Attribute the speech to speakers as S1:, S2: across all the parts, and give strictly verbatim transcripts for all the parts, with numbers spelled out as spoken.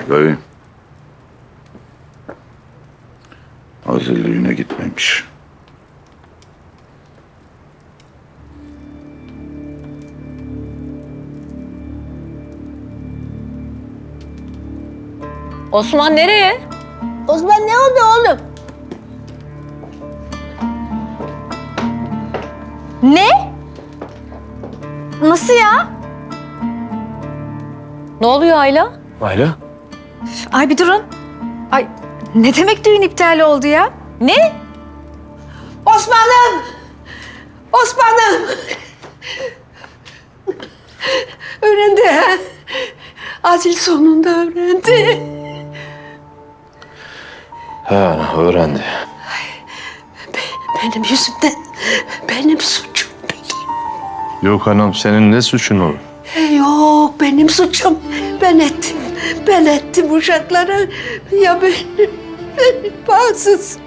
S1: Dayı. Aziz düğüne gitmemiş.
S2: Osman nereye?
S3: Osman ne oldu oğlum?
S2: Ne? Nasıl ya? Ne oluyor Ayla?
S4: Ayla?
S5: Ay bir durun. Ay ne demek düğün iptal oldu ya?
S2: Ne?
S3: Osman'ım! Osman'ım! Öğrendi ha? Azil sonunda öğrendi.
S4: He ana öğrendi.
S3: Benim yüzümden, benim suçum benim.
S4: Yok anam senin ne suçun olur?
S3: Yok benim suçum. Ben ettim, ben ettim uşaklara. Ya benim, benim bağımsız.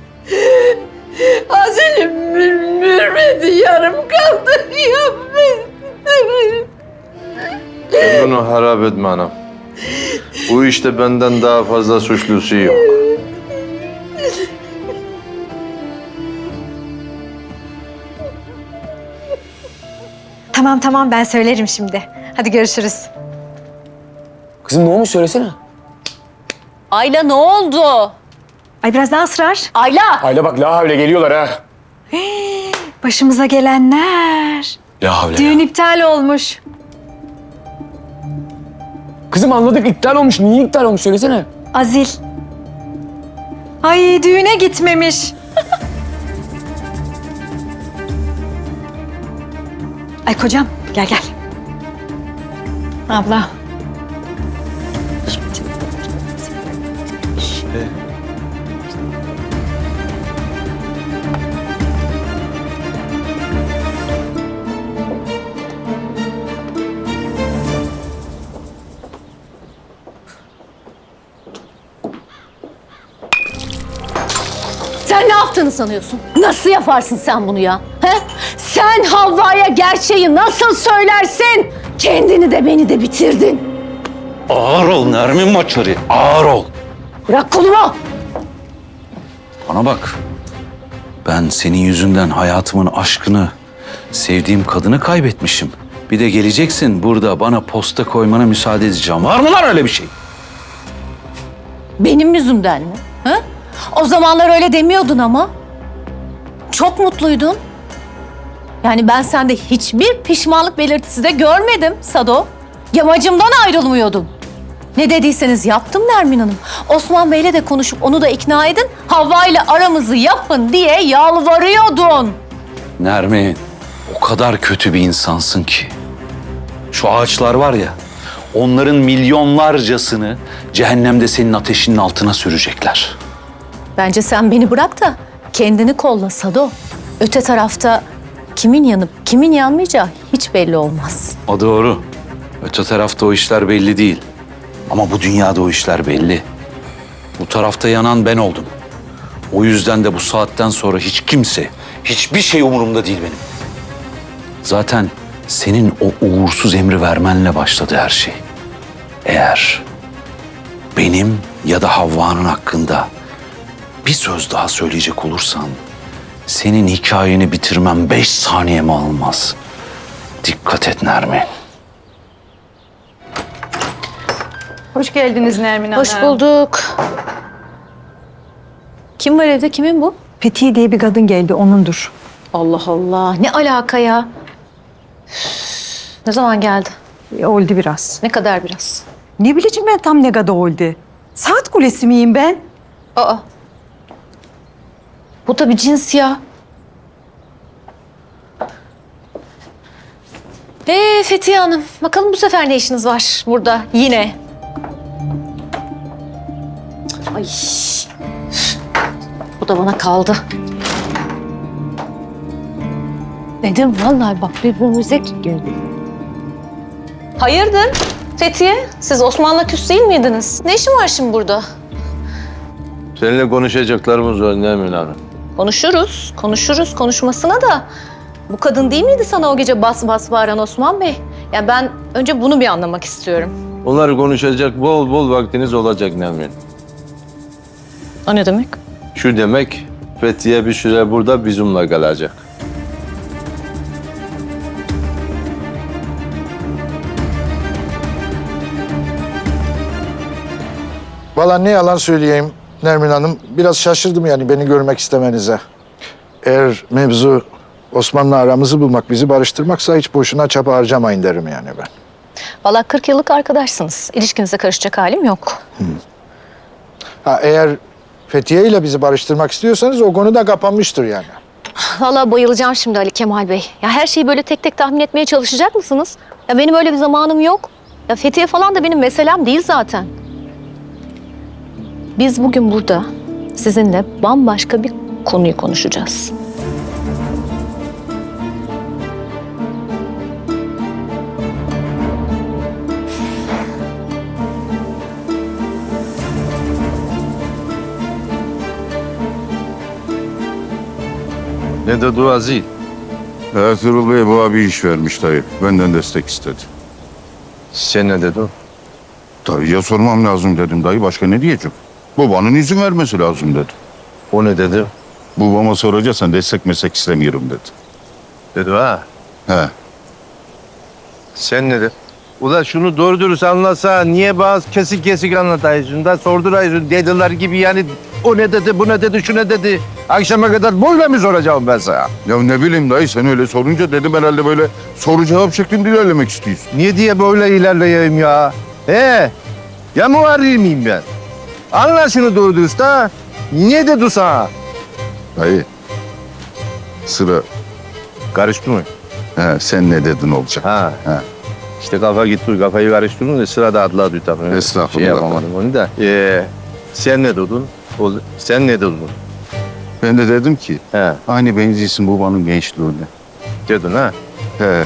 S3: Azil'im mürmedi, yarım kaldı. Ya ben...
S4: Sen bunu harap etme anam. Bu işte benden daha fazla suçlusu yok.
S5: Tamam tamam ben söylerim şimdi. Hadi görüşürüz.
S6: Kızım ne olmuş söylesene.
S2: Ayla ne oldu?
S5: Ay biraz daha ısrar.
S2: Ayla!
S6: Ayla bak la havle geliyorlar ha.
S5: Başımıza gelenler.
S6: La havle.
S5: Düğün iptal olmuş.
S6: Kızım anladık iptal olmuş. Niye iptal olmuş söylesene.
S5: Azil. Ay düğüne gitmemiş. Ay kocam gel gel. Abla.
S2: Sen ne yaptığını sanıyorsun? Nasıl yaparsın sen bunu ya? He? Sen Havva'ya gerçeği nasıl söylersin? Kendini de beni de bitirdin.
S1: Ağır ol Nermin Maçarı, ağır ol.
S2: Bırak kolumu.
S1: Bana bak. Ben senin yüzünden hayatımın aşkını, sevdiğim kadını kaybetmişim. Bir de geleceksin burada bana posta koymana müsaade edeceğim. Var mı lan öyle bir şey?
S2: Benim yüzümden mi? He? O zamanlar öyle demiyordun ama. Çok mutluydun. Yani ben sende hiçbir pişmanlık belirtisi de görmedim Sado. Yamacımdan ayrılmıyordun. Ne dediyseniz yaptım Nermin Hanım. Osman Bey'le de konuşup onu da ikna edin. Havva ile aramızı yapın diye yalvarıyordun.
S1: Nermin, o kadar kötü bir insansın ki. Şu ağaçlar var ya, onların milyonlarcasını cehennemde senin ateşinin altına sürecekler.
S2: Bence sen beni bırak da kendini kolla Sado. Öte tarafta kimin yanıp kimin yanmayacağı hiç belli olmaz.
S1: O doğru. Öte tarafta o işler belli değil. Ama bu dünyada o işler belli. Bu tarafta yanan ben oldum. O yüzden de bu saatten sonra hiç kimse, hiçbir şey umurumda değil benim. Zaten senin o uğursuz emri vermenle başladı her şey. Eğer benim ya da Havva'nın hakkında bir söz daha söyleyecek olursan senin hikayeni bitirmem beş saniyemi almaz. Dikkat et Nermin.
S5: Hoş geldiniz Nermin Hanım.
S2: Hoş bulduk. Kim var evde? Kimin bu?
S5: Fethi diye bir kadın geldi onundur.
S2: Allah Allah. Ne alaka ya? Üf, ne zaman geldi?
S5: E, oldu biraz.
S2: Ne kadar biraz?
S5: Ne bileceğim ben tam ne kadar oldu. Saat kulesi miyim ben?
S2: Aa. Bu da bir cins ya. Ee Fethiye Hanım, bakalım bu sefer ne işiniz var burada yine? Ay. Bu da bana kaldı. Dedim vallahi bak birbirimize geldi. Hayırdır Fethiye? Siz Osman'la küs değil miydiniz? Ne işin var şimdi burada?
S4: Seninle konuşacaklarımız var Nermin Hanım.
S2: Konuşuruz, konuşuruz konuşmasına da. Bu kadın değil miydi sana o gece bas bas bağıran Osman Bey? Ya ben önce bunu bir anlamak istiyorum.
S4: Onları konuşacak bol bol vaktiniz olacak Nermin.
S2: O ne demek?
S4: Şu demek, Fethiye bir süre burada bizimle kalacak.
S7: Valla ne yalan söyleyeyim Nermin Hanım, biraz şaşırdım yani beni görmek istemenize. Eğer mevzu Osman'la aramızı bulmak, bizi barıştırmaksa hiç boşuna çaba harcamayın derim yani ben.
S2: Vallahi kırk yıllık arkadaşsınız. İlişkinize karışacak halim yok.
S7: Ha, eğer Fethiye ile bizi barıştırmak istiyorsanız o konu da kapanmıştır yani.
S2: Vallahi bayılacağım şimdi Ali Kemal Bey. Ya her şeyi böyle tek tek tahmin etmeye çalışacak mısınız? Ya benim öyle bir zamanım yok. Ya Fethiye falan da benim meselem değil zaten. Biz bugün burada sizinle bambaşka bir konuyu konuşacağız.
S4: Ne dedi Azil?
S8: Ertuğrul Bey bana bir iş vermiş dayı. Benden destek istedi.
S4: Sen ne dedin?
S8: Dayıya sormam lazım dedim dayı. Başka ne diyeceğim? Babanın izin vermesi lazım dedi.
S4: O ne dedi?
S8: Babama soracaksan destek meslek istemiyorum dedi.
S4: Dedi ha.
S8: He.
S4: Sen ne dedin? Ula şunu doğru dürüst anlasa niye bazı kesik kesik anlatıyorsun da sordurayısın dediler gibi yani o ne dedi, bu ne dedi, şu ne dedi. Akşama kadar böyle mi soracağım ben sana?
S8: Ya ne bileyim dayı sen öyle sorunca dedim herhalde böyle soru cevap şeklinde ilerlemek istiyorsun.
S4: Niye diye böyle ilerleyeyim ya? He? Ya muharrir miyim ben? Anla şunu doğru dürüst ha. Niye dedi sana?
S8: Dayı sıra
S4: Karıştı mı?
S8: he, sen ne dedin olacak.
S4: Ha.
S8: He.
S4: İşte kafa gitti, kafayı karıştırdın da sırada adla adı tabii.
S8: Estağfurullah.
S4: Şey yapamadım onu da. Ee, sen ne dedin? O, sen ne dedin?
S8: Ben de dedim ki
S4: He,
S8: aynı benziyorsun babanın gençliğine.
S4: dedin ha.
S8: He.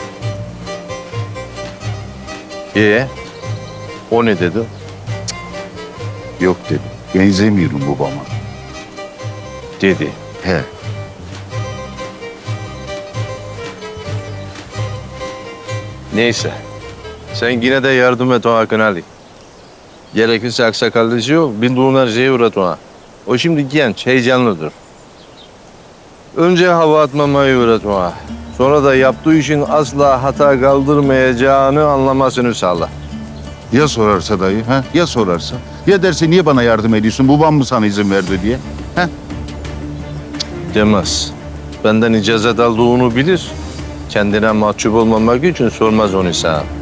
S4: Ee, o ne dedi?
S8: Yok dedim. Benzemiyorum babama.
S4: Dedi.
S8: He.
S4: Neyse. Sen yine de yardım et o Hakan Ali. Gerekirse aksakallıcı yok, bildiğin her şeyi uğrat ona. O şimdi genç, heyecanlıdır. Önce hava atmamayı öğret ona. Sonra da yaptığı işin asla hata kaldırmayacağını anlamasını sağla.
S8: Ya sorarsa dayı, ha? Ya sorarsa? Ya derse niye bana yardım ediyorsun? Babam mı sana izin verdi diye?
S4: Demez. Benden icazet aldığını bilir. Kendine mahcup olmamak için sormaz onu sana.